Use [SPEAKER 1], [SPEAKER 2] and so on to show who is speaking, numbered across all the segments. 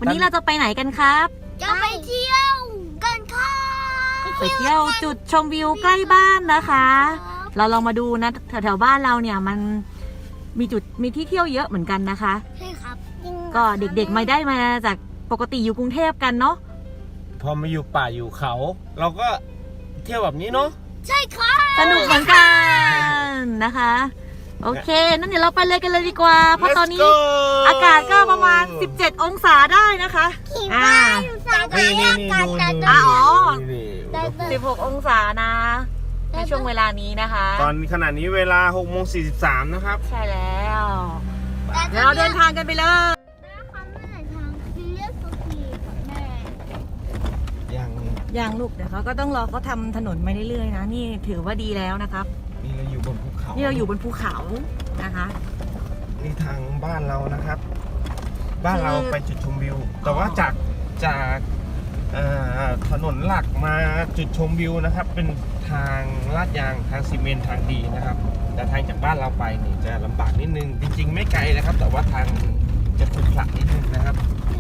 [SPEAKER 1] วันนี้เราจะไปไหนกันครับ
[SPEAKER 2] จะไปเที่ยวกันค่ะ
[SPEAKER 1] ไปเที่ยวจุดชมวิวใกล้บ้านนะคะ เราลองมาดูนะแถวๆบ้านเราเนี่ยมันมีที่เที่ยวเยอะเหมือนกันนะคะ
[SPEAKER 2] ใช่ครับ
[SPEAKER 1] ก็เด็กๆไม่ได้มาจากปกติอยู่กรุงเทพกันเนาะ
[SPEAKER 3] พอมาอยู่ป่าอยู่เขา เราก็เที่ยวแบบนี้เนาะ
[SPEAKER 2] ใช่ค่ะ
[SPEAKER 1] สนุกเหมือนกันนะคะ โอเคนั่นเดี๋ยวเราไปเลยกันเลยดีกว่า เพราะตอนนี้
[SPEAKER 3] Let's go
[SPEAKER 1] อากาศก็ประมาณ17องศาได้นะคะ
[SPEAKER 2] ขี่
[SPEAKER 1] อ่า
[SPEAKER 2] ม้าอยู่สาย
[SPEAKER 3] นี่ดู
[SPEAKER 1] อ๋อ
[SPEAKER 3] นี่
[SPEAKER 1] 16องศานะในช่วงเวลานี้นะคะ
[SPEAKER 3] ตอนขณะนี้เวลา6:43นะครับ
[SPEAKER 1] ใช่แล้ว เดี๋ยวเราเดินทางกันไปเลย
[SPEAKER 2] นะคะเมื่อไหร่ทางคือเรียกสุขีกับแม่
[SPEAKER 3] ยัง
[SPEAKER 1] อย่างลูกเดี๋ยวเขาก็ต้องรอเขาทำถนนไปเรื่อยๆนะนี่ถือว่าดีแล้วนะครับ
[SPEAKER 3] นี่เราอยู่บนภูเขา
[SPEAKER 1] นี่เราอยู่บนภูเขานะคะ
[SPEAKER 3] นี่ทางบ้านเรานะครับ บ้านเราไปจุดชมวิว แต่ว่าจากถนนหลักมาจุดชมวิวนะครับ เป็นทางลาดยางทางซีเมนต์ทางดีนะครับ แต่ทางจากบ้านเราไปนี่จะลำบากนิดนึง จริงๆ ไม่ไกลนะครับ แต่ว่าทางจะขรุขระนิดนึงนะครับ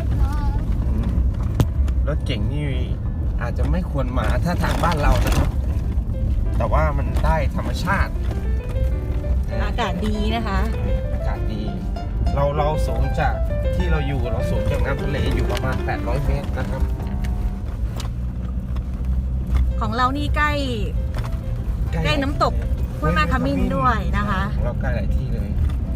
[SPEAKER 3] รถเก่งนี่อาจจะไม่ควรมาถ้าทางบ้านเรานะครับ แต่ว่ามันได้ธรรมชาติ
[SPEAKER 1] อากาศดีนะคะ
[SPEAKER 3] อากาศดี เราสูงจากที่เราอยู่เราสูงจากน้ำทะเลอยู่ประมาณ800 เมตรนะครับ
[SPEAKER 1] ของเรานี่ใกล้น้ำตกห้วยแม่ขมิ้นด้วยนะคะ
[SPEAKER 3] เราใกล้หลายที่เลย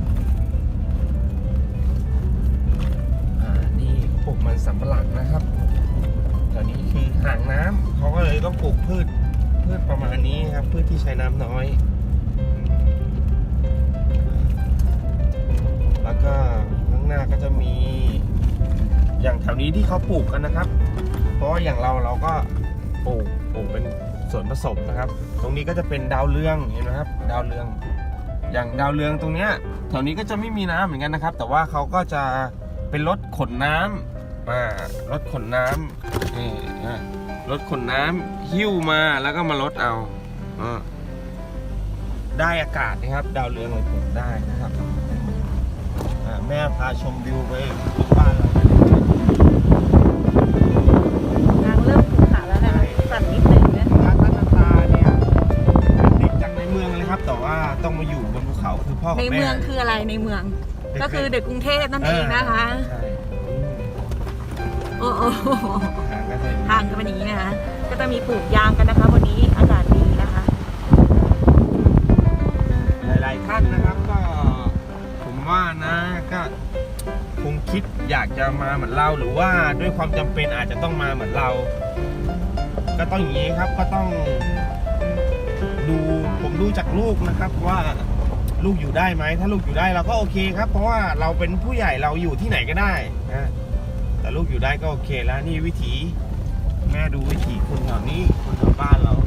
[SPEAKER 3] นี่เขาปลูกมันสำปะหลังนะครับแถวนี้คือห่างน้ำเขาก็เลยต้องปลูกพืชประมาณนี้ครับพืชที่ใช้น้ำน้อย แล้วก็ข้างหน้าก็จะมีอย่างแถวนี้ที่เขาปลูกกันนะครับ เพราะว่าอย่างเราก็ปลูกเป็นส่วนผสมนะครับ ตรงนี้ก็จะเป็นดาวเรืองเห็นไหมครับดาวเรืองอย่างดาวเรืองตรงเนี้ยแถวนี้ก็จะไม่มีน้ำเหมือนกันนะครับ แต่ว่าเขาก็จะเป็นรถขนน้ำรถขนน้ำนี่รถขนน้ำหิ้วมาแล้วก็มาลดเอาได้อากาศนะครับ ดาวเรืองเราปลูกได้นะครับแม่พาชมวิวไปบ้านเรา
[SPEAKER 1] ทางเริ่มภูเขาแล้วนะคะสั่นนิดนึงนะ
[SPEAKER 3] ร้านตั้งตาเนี่ยติดจากในเมืองเลยครับ แต่ว่าต้องมาอยู่บนภูเขาคือพ่อกับ
[SPEAKER 1] ใน
[SPEAKER 3] แม่
[SPEAKER 1] เมืองคืออะไรในเมือง ก็คือเด็กกรุงเทพนั่นเองนะคะ
[SPEAKER 3] ใช่
[SPEAKER 1] โอ้โห
[SPEAKER 3] ก็จะ
[SPEAKER 1] ทางก็เป็นอย่างนี้นะคะ ก็จะมีปลูกยางกันนะคะวันนี้อากาศดีนะคะ
[SPEAKER 3] หลายๆท่านนะครับก็ผมว่านะก็คงคิดอยากจะมาเหมือนเราหรือว่าด้วยความจำเป็นอาจจะต้องมาเหมือนเรา ก็ต้องอย่างนี้ครับก็ต้องผมดูจากลูกนะครับว่าลูกอยู่ได้ไหมถ้าลูกอยู่ได้เราก็โอเคครับ เพราะว่าเราเป็นผู้ใหญ่เราอยู่ที่ไหนก็ได้นะแต่ลูกอยู่ได้ก็โอเคแล้วนี่วิถีแม่ดูวิถีคนแถวนี้คนแถวบ้านเรา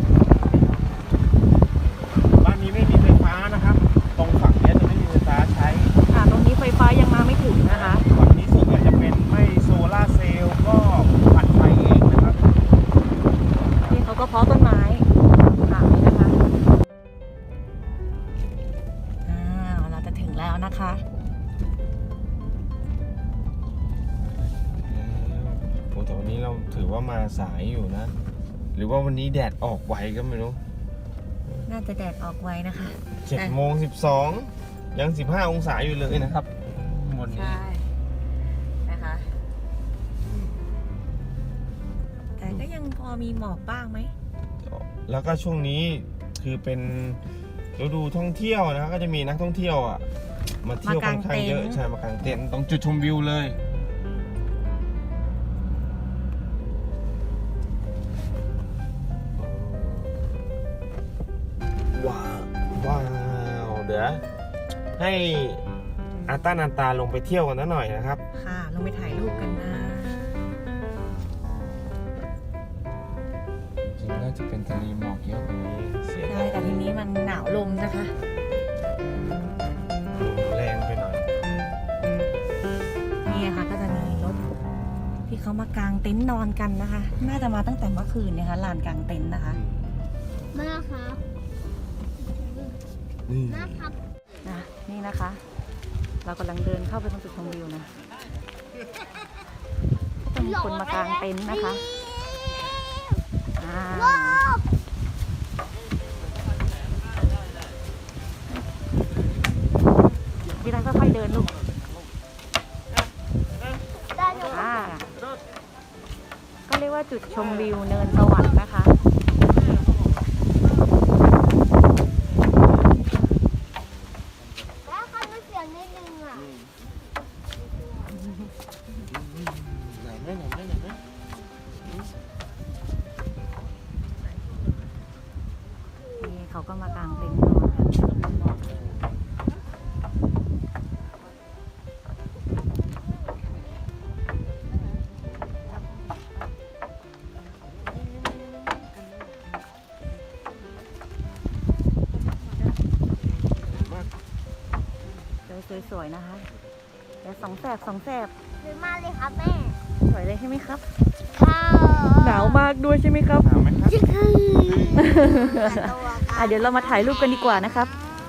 [SPEAKER 3] บ้านนี้ไม่มีไฟฟ้านะครับตรงฝั่งนี้จะไม่มีไฟฟ้าใช้
[SPEAKER 1] ค่ะตรงนี้ไฟฟ้ายังมาไม่ถึงนะคะ
[SPEAKER 3] ฝั่งนี้ส่วนใหญ่จะเป็นไม่โซล่าร์เซลล์ก็ปั่นไฟเองนะครับ
[SPEAKER 1] นี่เขาก็เพาะต้นไม้ขายนะคะเราจะถึงแล้วนะคะ
[SPEAKER 3] โอ้แต่วันนี้เราถือว่ามาสายอยู่นะ หรือว่าวันนี้แดดออกไวก็ไม่รู้
[SPEAKER 1] น่าจะแดดออกไวนะคะ
[SPEAKER 3] 7:12ยัง15 องศาอยู่เลยนะครับบนนี้
[SPEAKER 1] ใช่นะคะ แต่ก็ยังพอมีหมอกบ้างไหม
[SPEAKER 3] แล้วก็ช่วงนี้คือเป็นฤดูท่องเที่ยวนะครับก็จะมีนักท่องเที่ยวมาเที่ยวค่อนข้างเยอะใช่มากางเต็นท์ตรงจุดชมวิวเลยว้าวเดี๋ยวให้อาต้านันตาลงไปเที่ยวกันหน่อยนะครับ
[SPEAKER 1] ค่ะ ลงไปถ่ายรูปกันนะ
[SPEAKER 3] จริงน่าจะเป็นทะเลหมอกเยอะกว่านี้เสีย
[SPEAKER 1] ใช่แต่ทีนี้มันหนาวลมนะคะ
[SPEAKER 3] แรงไปหน่อย
[SPEAKER 1] นี่ค่ะก็จะมีรถที่เขามากางเต็นท์นอนกันนะคะ น่าจะมาตั้งแต่เมื่อคืนนะคะลานกางเต็นท์นะคะ
[SPEAKER 2] มาครับ
[SPEAKER 3] นี่
[SPEAKER 2] นะครับ
[SPEAKER 1] นี่นะคะ เรากำลังเดินเข้าไปตรงจุดชมวิวนะจะมีคนมากางเต็นท์นะคะพี่รักค่อยๆเดินลูกก็เรียกว่าจุดชมวิวเนินสวรรค์นะคะ
[SPEAKER 2] แล้วคันมันเสียงนิดนึงอ่ะ
[SPEAKER 3] ไหนไหม
[SPEAKER 1] นี่เขาก็มากางเต็นท์นอนกันสวยๆนะคะแต่สองแสบ
[SPEAKER 2] หรือมาเลยครับแม่
[SPEAKER 1] สวยเลยใช่ไหมครับ
[SPEAKER 2] ค่ะ
[SPEAKER 1] หนาวมากด้วยใช่ไหมครับ
[SPEAKER 3] หนาวไหมครับ
[SPEAKER 2] จิ๊กคือ
[SPEAKER 1] เดี๋ยวเรามาถ่ายรูปกันดีกว่านะครับ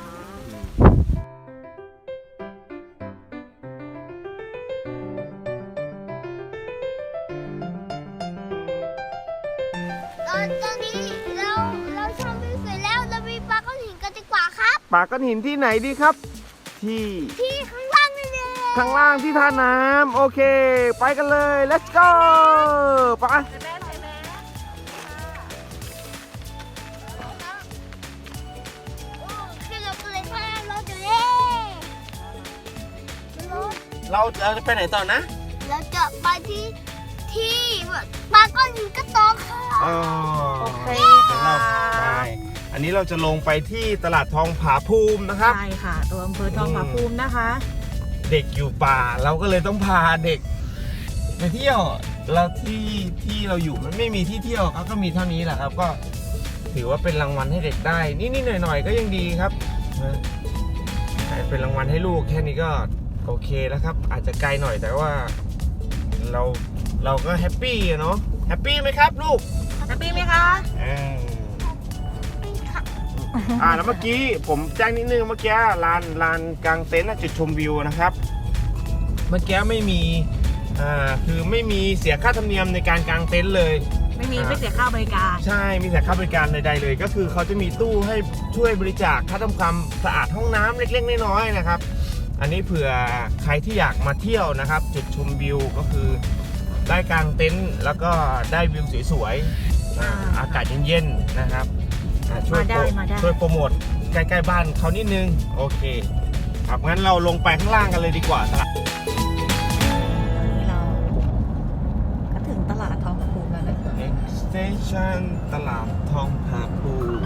[SPEAKER 2] ตอนนี้เราชมวิวสวยแล้วเราไปปลาก้อนหินกันดีกว่าครับ
[SPEAKER 3] ปากก้อนหินที่ไหนดีครับ ที่
[SPEAKER 2] ที่ข้างล่างนี่เลย
[SPEAKER 3] ข้างล่างที่ท่าน้ำโอเค ไปกันเลย let's go ไป
[SPEAKER 2] ขึ้นรถกันเลยค่ะรถอยู่เลย
[SPEAKER 3] เราจะไปไหนต่อนะ
[SPEAKER 2] เราจะไปที่ปลาก้อนหินกระโตกค่ะ
[SPEAKER 3] อ๋อ
[SPEAKER 1] โอเค
[SPEAKER 3] เดี๋ยวเราไปอันนี้เราจะลงไปที่ตลาดทองผาภูมินะครับ
[SPEAKER 1] ใช่ค่ะ ตัวอำเภอทองผาภูมินะคะ
[SPEAKER 3] เด็กอยู่ป่าเราก็เลยต้องพาเด็กไปเที่ยวแล้วที่เราอยู่มันไม่มีที่เที่ยวครับก็มีเท่านี้แหละครับก็ถือว่าเป็นรางวัลให้เด็กได้นิดๆหน่อยๆก็ยังดีครับเป็นรางวัลให้ลูกแค่นี้ก็โอเคแล้วครับอาจจะไกลหน่อยแต่ว่าเราก็แฮปปี้อะเนาะแฮปปี้ไหมครับลูก
[SPEAKER 1] แฮปปี้ไหมคะ
[SPEAKER 3] แล้วเมื่อกี้ผมแจ้งนิดนึงเมื่อกี้ลานกลางเต็นท์จุดชมวิวนะครับเมื่อกี้ไม่มีคือไม่มีเสียค่าธรรมเนียมในการกางเต็นท์เลย
[SPEAKER 1] ไม่เสียค่าบริการ
[SPEAKER 3] ใช่มีแต่ค่าบริการใดๆเลยก็คือเขาจะมีตู้ให้ช่วยบริจาคค่าทำความสะอาดห้องน้ำเล็กๆน้อยๆนะครับอันนี้เผื่อใครที่อยากมาเที่ยวนะครับจุดชมวิวก็คือได้กางเต็นท์แล้วก็ได้วิวสวยๆอากาศเย็นๆนะครับช่วยโปรโมทใกล้ๆบ้านเขานิดนึงโอเคครับงั้นเราลงไปข้างล่างกันเลยดีกว่าตลาด
[SPEAKER 1] เราก็ถึงตลาดทองผาภูมิแล้วนะคะ
[SPEAKER 3] Station ตลาดทองผาภูมิ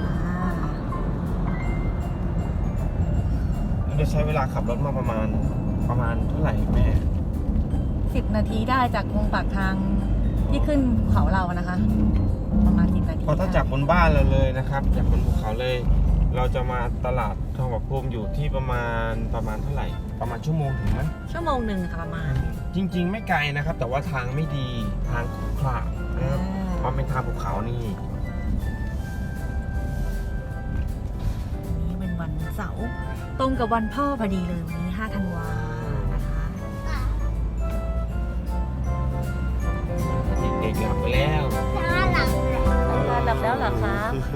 [SPEAKER 3] จะใช้เวลาขับรถมาประมาณเท่าไหร่แม่
[SPEAKER 1] 10 นาทีได้จากตรงปากทางที่ขึ้นภูเขาเรานะคะประมาณ10 นาที
[SPEAKER 3] เพราะถ้าจากบนบ้านเราเลยนะครับจากบนภูเขาเลยเราจะมาตลาดทองผาภูมิอยู่ที่ประมาณเท่าไหร่ประมาณชั่วโมงถึงไหม
[SPEAKER 1] ชั่วโมงหนึ่งค่ะประมาณ
[SPEAKER 3] จริงๆไม่ไกลนะครับแต่ว่าทางไม่ดีทางขรุขระนะครับเพราะเป็นทางภูเขานี่
[SPEAKER 1] วันนี้เป็นวันเสาร์ตรงกับวันพ่อพอดีเลยวันนี้5 ธันวานะคะ
[SPEAKER 3] เด็กๆหลับไปแล้ว
[SPEAKER 1] หลับแล้วเหรอคะ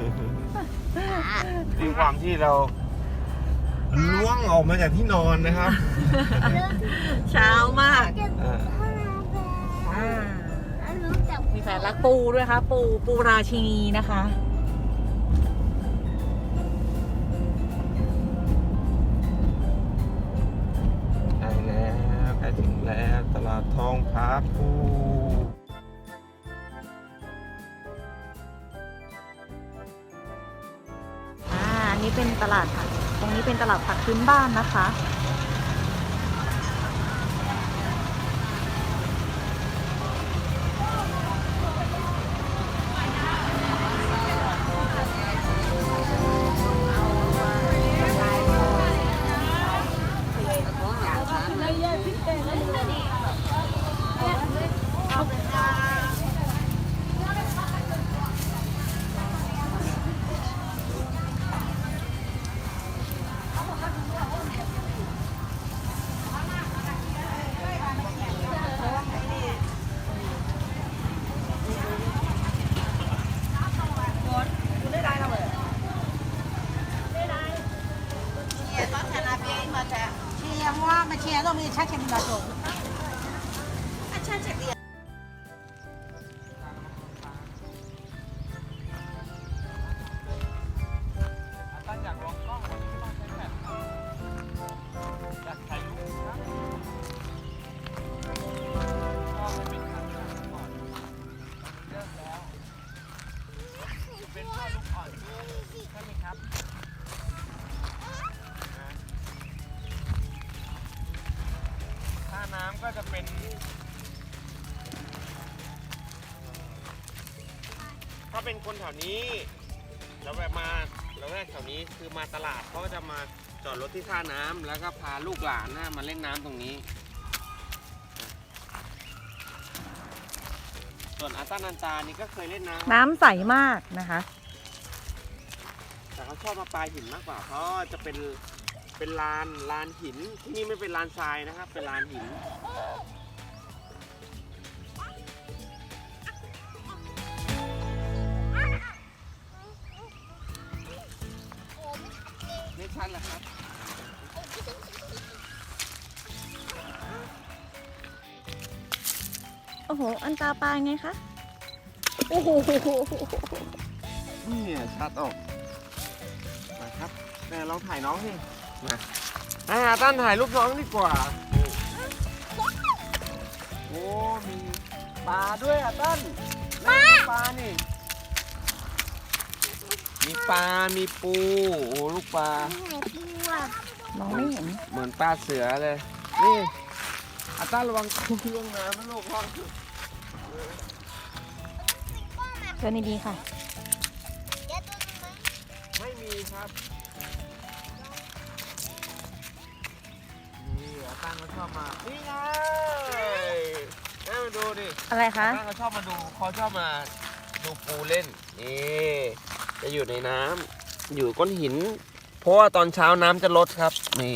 [SPEAKER 3] ด้วยความที่เราล้วงออกมาจากที่นอนนะครับ
[SPEAKER 1] เช้ามากมีแสนรักปูด้วยค่ะปูราชินีนะคะ
[SPEAKER 3] ได้แล้วใกล้ถึงแล้วตลาดทองผาภูมิ
[SPEAKER 1] อันนี้เป็นตลาดผักตรงนี้เป็นตลาดผักพื้นบ้านนะคะ
[SPEAKER 4] moi, ma chère, non, mais ça, c'est mon bateau. Ah, ça, c'est bien.
[SPEAKER 3] ตั้งอยากลองกล้องวันนี้ไม่ต้องใช้แฟลชครับอยากถ่ายรูปครับก็ไม่เป็นทางการก่อนเริ่มแล้วเป็นพ่อลูกอ่อนใช่ไหมครับท่าน้ำก็จะเป็นถ้าเป็นคนแถวนี้แล้วแบบมาแล้วแรกแถวนี้คือมาตลาดเขาก็จะมาจอดรถที่ท่าน้ำแล้วก็พาลูกหลานมาเล่นน้ำตรงนี้ ส่วนอาตานันตานี่ก็เคยเล่นน้ำ
[SPEAKER 1] น้ำใสมากนะคะ
[SPEAKER 3] แต่เขาชอบมาปลายหินมากกว่าเพราะจะเป็นลานหินที่นี่ไม่เป็นลานทรายนะครับ เป็นลานหินไม่ชันเหรอครับ
[SPEAKER 1] โอ้โห อันตาปลาไงคะ โอ้โห
[SPEAKER 3] นี่ชัดออกมาครับแม่ลองถ่ายน้องสิมาตั้นถ่ายรูปน้องดีกว่าโอ้มีปลาด้วยตั้นปลานี่มีปลา มีปูโอ้ลูกปลา
[SPEAKER 1] มองไม่เห็น
[SPEAKER 3] เหมือนปลาเสือเลย นี่ตั้นระวังกุ้งลงน้ำนะลูกพ่อ
[SPEAKER 1] เชิญดีๆค่ะ
[SPEAKER 3] ไม่มีครับนี่ตั้นเขาชอบมานี่ไงแม่มาดูดิ
[SPEAKER 1] อะไรคะ
[SPEAKER 3] ตั้นเขาชอบมาดูปูเล่นนี่จะอยู่ในน้ำอยู่ก้อนหิน เพราะว่าตอนเช้าน้ำจะลดครับนี่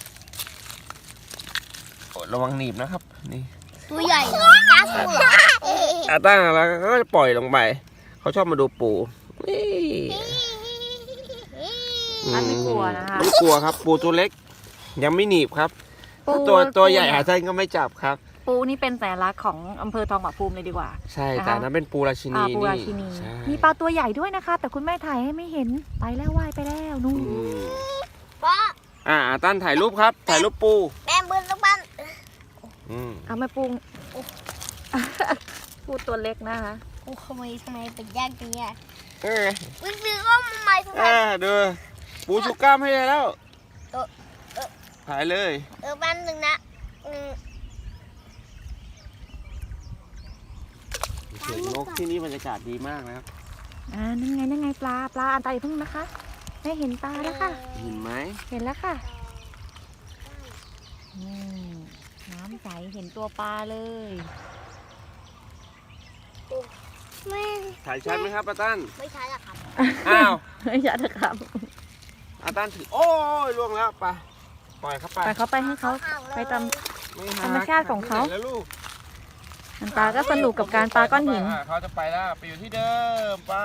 [SPEAKER 3] โอ้ระวังหนีบนะครับนี่
[SPEAKER 2] ตัวใหญ่กล้าสู้เหรอ
[SPEAKER 3] ตั้งแล้วก็จะปล่อยลงไปเขาชอบมาดูปูนี่
[SPEAKER 1] อันไม่กลัวนะคะ
[SPEAKER 3] ไม่กลัวครับ ปูตัวเล็ก ยังไม่หนีบครับตัวใหญ่อาจารย์ก็ไม่จับครับ
[SPEAKER 1] ปูนี่เป็นสัญลักษณ์ของอำเภอทองผาภูมิเลยดีกว่า
[SPEAKER 3] ใช่
[SPEAKER 1] นะคะ
[SPEAKER 3] แต่นั้นเป็นปูราชินี
[SPEAKER 1] ปูราชินี
[SPEAKER 3] ใช่
[SPEAKER 1] มีปลาตัวใหญ่ด้วยนะคะ แต่คุณแม่ถ่ายให้ไม่เห็น ไปแล้วว่ายไปแล้วนู่น
[SPEAKER 3] อืม
[SPEAKER 2] ป้า
[SPEAKER 3] ตั้นถ่ายรูปครับ ถ่ายรูปปู
[SPEAKER 2] แม่บืนลูกบ้าน
[SPEAKER 3] อืม
[SPEAKER 1] เอาไม่ปู ปูตัวเล็กนะคะ
[SPEAKER 2] กูทำไมเป็นยากจังเนี่ย
[SPEAKER 3] เออ
[SPEAKER 2] วิซื้อก็มาใหม่ทุกคน
[SPEAKER 3] ดูปูชูกล้ามให้แล้ว
[SPEAKER 2] เออ
[SPEAKER 3] ถ่ายเลย
[SPEAKER 2] แป๊บนึงนะ
[SPEAKER 3] เสียงนกที่นี่บรรยากาศดีมากนะครับ
[SPEAKER 1] นั่นไงปลาอันตาอย่าเพิ่งนะคะแม่เห็นปลาแล้วค่ะ
[SPEAKER 3] เห็นไหม
[SPEAKER 1] เห็นแล้วค่ะน้ำใสเห็นตัวปลาเลย
[SPEAKER 2] แม่
[SPEAKER 3] ถ่ายชัดไหมครับตั้น
[SPEAKER 2] ไม่ใช่ละครับ
[SPEAKER 3] อ้าว
[SPEAKER 1] ไม่ใช่นะครับ
[SPEAKER 3] ตั้นถือโอ้ยล่วงแล้วไปปล่อยเขาไป
[SPEAKER 1] ไปเขาไปให้เขาไปตาม
[SPEAKER 3] ไม่หัก
[SPEAKER 1] ธรรมชาติของเขา
[SPEAKER 3] แล้วลูก
[SPEAKER 1] อันตาก็สนุกกับการปลาก้อนหิน
[SPEAKER 3] เขาจะไปแล้วไปอยู่ที่เดิมไป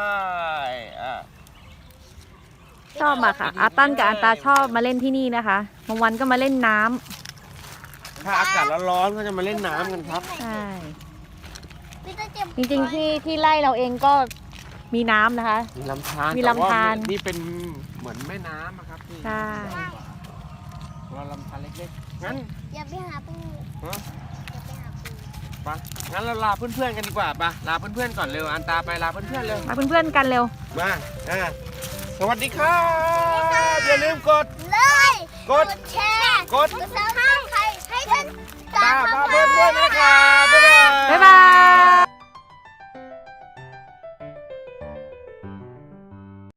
[SPEAKER 1] ชอบอะค่ะ อาตั้นกับอันตาชอบมาเล่นที่นี่นะคะบางวันก็มาเล่นน้ำ
[SPEAKER 3] ถ้าอากาศร้อนๆก็จะมาเล่นน้ำกันครับ
[SPEAKER 1] ใช่
[SPEAKER 2] พี่จะเจ็บ
[SPEAKER 1] จริงๆที่ไร่เราเองก็มีน้ำนะคะ
[SPEAKER 3] มีลำธาร
[SPEAKER 1] มีลำธาร
[SPEAKER 3] แต่ว่นี่เป็นเหมือนแม่น้ำอะครับนี่
[SPEAKER 1] ใช่
[SPEAKER 3] เราลำธารเล็กๆงั้น
[SPEAKER 2] อย่าไปหาปู
[SPEAKER 3] ฮะ
[SPEAKER 2] อย่าไปหาปู
[SPEAKER 3] ไปงั้นเราลาเพื่อนๆกันดีกว่าปะลาเพื่อนๆก่อนเร็วอันตาไปลาเพื่อนๆเร็ว
[SPEAKER 1] มาเพื่อนๆกันเร็ว
[SPEAKER 3] มาสวัสดีครับอย่าลืมกด
[SPEAKER 2] เลย
[SPEAKER 3] กด
[SPEAKER 2] แชร์
[SPEAKER 3] กด
[SPEAKER 2] ซับสไครต์ให้กัน
[SPEAKER 3] ตาพาเพื่อนด้วยนะครับบ๊ายบาย
[SPEAKER 1] บ๊ายบาย